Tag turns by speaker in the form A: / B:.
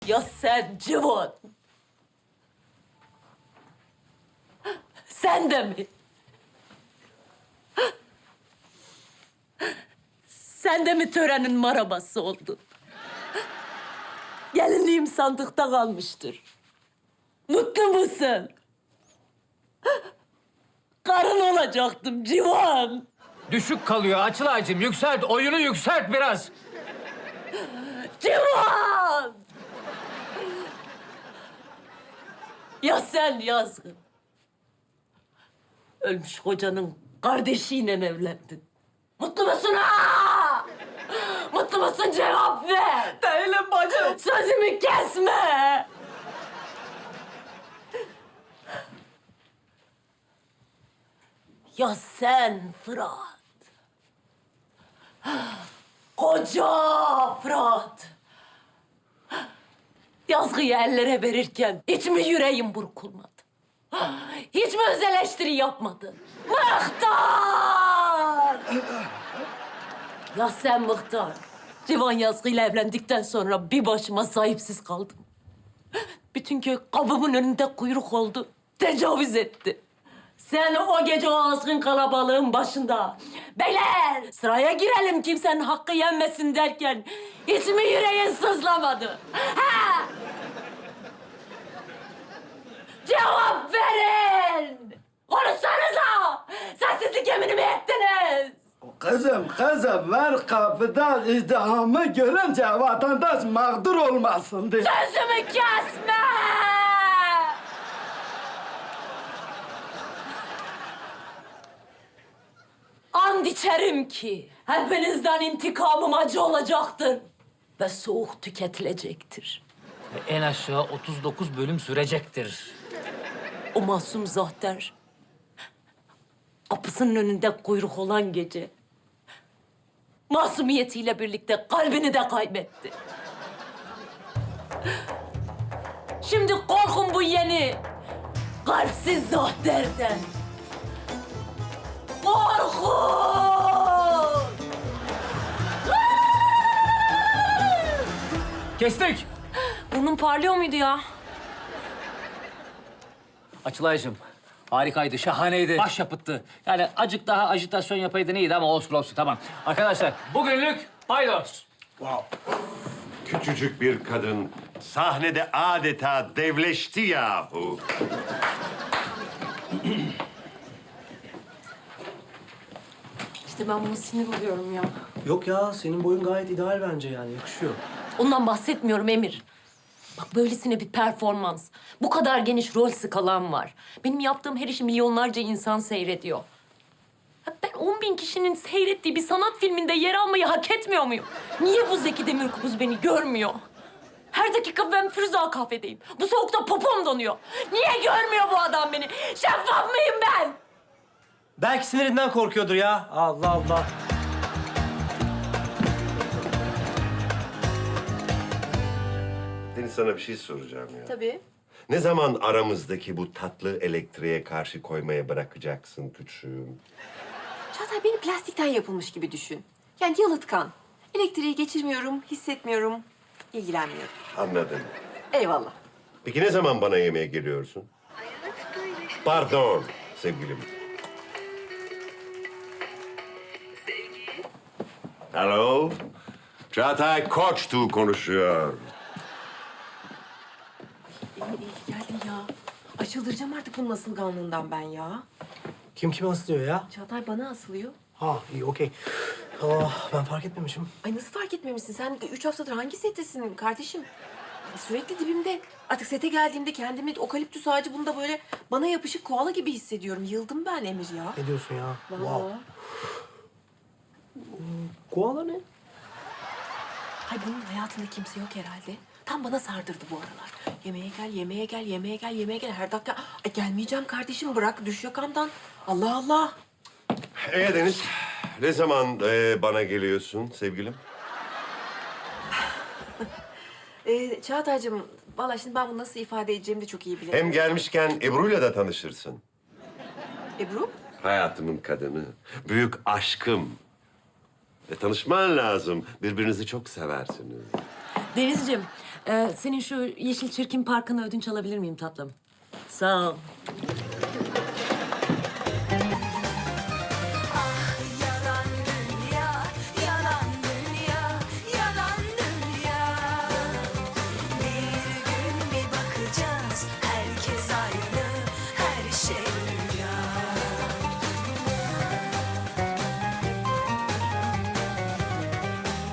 A: Ya sen Civan. Sen de mi? Sen de mi törenin marabası oldun? Gelinliğim sandıkta kalmıştır. Mutlu musun? Karın olacaktım Civan.
B: Düşük kalıyor Açılay'cığım. Yükselt, oyunu yükselt biraz.
A: Civan! Ya sen Yazgın. Ölmüş kocanın kardeşiyle evlendin. Mutlu musun ha? Mutlu musun cevap ver. Değilim bacım. Sözümü kesme. Ya sen Fırat. Koca Fırat. Yazgıyı ellere verirken hiç mi yüreğin burkulmadı? Hiç mi öz eleştiri yapmadın? Mıhtar! Ya sen Mıhtar. Civan Yazgı'yla evlendikten sonra bir başıma sahipsiz kaldım. Bütün köy kapımın önünde kuyruk oldu. Tecavüz etti. Sen o gece o azgın kalabalığın başında... Beyler sıraya girelim kimsenin hakkı yenmesin derken... Hiç mi yüreğin sızlamadı? Ha? Cevap verin! Konuşsanıza! Sessizlik yemini mi ettiniz?
C: Kızım, ver kapıda izdihamı görünce vatandaş mağdur olmasın diye.
A: Sözümü kesme! And içerim ki hepinizden intikamım acı olacaktır ve soğuk tüketilecektir.
B: En aşağı 39 bölüm sürecektir.
A: O masum Zahter kapısının önünde kuyruk olan gece masumiyetiyle birlikte kalbini de kaybetti. Şimdi korkun bu yeni kalpsiz Zahter'den. Korkun!
B: Kestik.
A: Burnum parlıyor muydu ya?
B: Açılay'cığım harikaydı, şahaneydi. Başyapıttı. Yani acık daha ajitasyon yapaydın iyiydi ama olsun olsun tamam. Arkadaşlar bugünlük paydos.
D: Küçücük bir kadın sahnede adeta devleşti yahu.
A: İşte ben buna sinir oluyorum ya.
E: Yok ya, senin boyun gayet ideal bence yani, yakışıyor.
A: Ondan bahsetmiyorum Emir. Bak böylesine bir performans. Bu kadar geniş rol skalam var. Benim yaptığım her işi milyonlarca insan seyrediyor. Ya ben 10.000 kişinin seyrettiği bir sanat filminde yer almayı hak etmiyor muyum? Niye bu Zeki Demirkubuz beni görmüyor? Her dakika ben Firuze kafedeyim. Bu soğukta popom donuyor. Niye görmüyor bu adam beni? Şeffaf mıyım ben?
E: Belki sinirinden korkuyordur ya. Allah Allah.
D: Deniz sana bir şey soracağım ya.
A: Tabii.
D: Ne zaman aramızdaki bu tatlı elektriğe karşı koymaya bırakacaksın küçüğüm?
F: Çağatay beni plastikten yapılmış gibi düşün. Yani yalıtkan. Elektriği geçirmiyorum, hissetmiyorum, ilgilenmiyorum.
D: Anladım.
F: Eyvallah.
D: Peki ne zaman bana yemeğe geliyorsun? Pardon sevgilim. Hello. Çağatay Koçtu konuşuyor.
F: İyi geldin ya. Ay çıldıracağım artık bunun asılganlığından ben ya.
E: Kim kime asılıyor ya?
F: Çağatay bana asılıyor.
E: Ha, iyi, okey. Ah, ben fark etmemişim.
F: Ay nasıl fark etmemişsin? Sen 3 haftadır hangi settesin kardeşim? Sürekli dibimde. Artık sete geldiğimde kendimi okaliptüs ağacı bunda böyle bana yapışık koala gibi hissediyorum. Yıldım ben Emir ya.
E: Ne diyorsun ya?
F: Vallahi.
E: Koala ne?
F: Ay bunun hayatında kimse yok herhalde. Tam bana sardırdı bu aralar. Yemeğe gel, yemeğe gel, yemeğe gel, yemeğe gel. Her dakika. Ay gelmeyeceğim kardeşim bırak düş yakamdan. Allah Allah.
D: Deniz, ne zaman bana geliyorsun sevgilim?
F: Çağatay'cığım vallahi şimdi ben bunu nasıl ifade edeceğimi de çok iyi bilirim.
D: Hem gelmişken Ebru'yla da tanışırsın.
F: Ebru?
D: Hayatımın kadını, büyük aşkım. Tanışman lazım. Birbirinizi çok seversiniz.
A: Denizciğim, Senin şu Yeşil Çirkin Parkı'nı ödünç alabilir miyim tatlım? Sağ ol.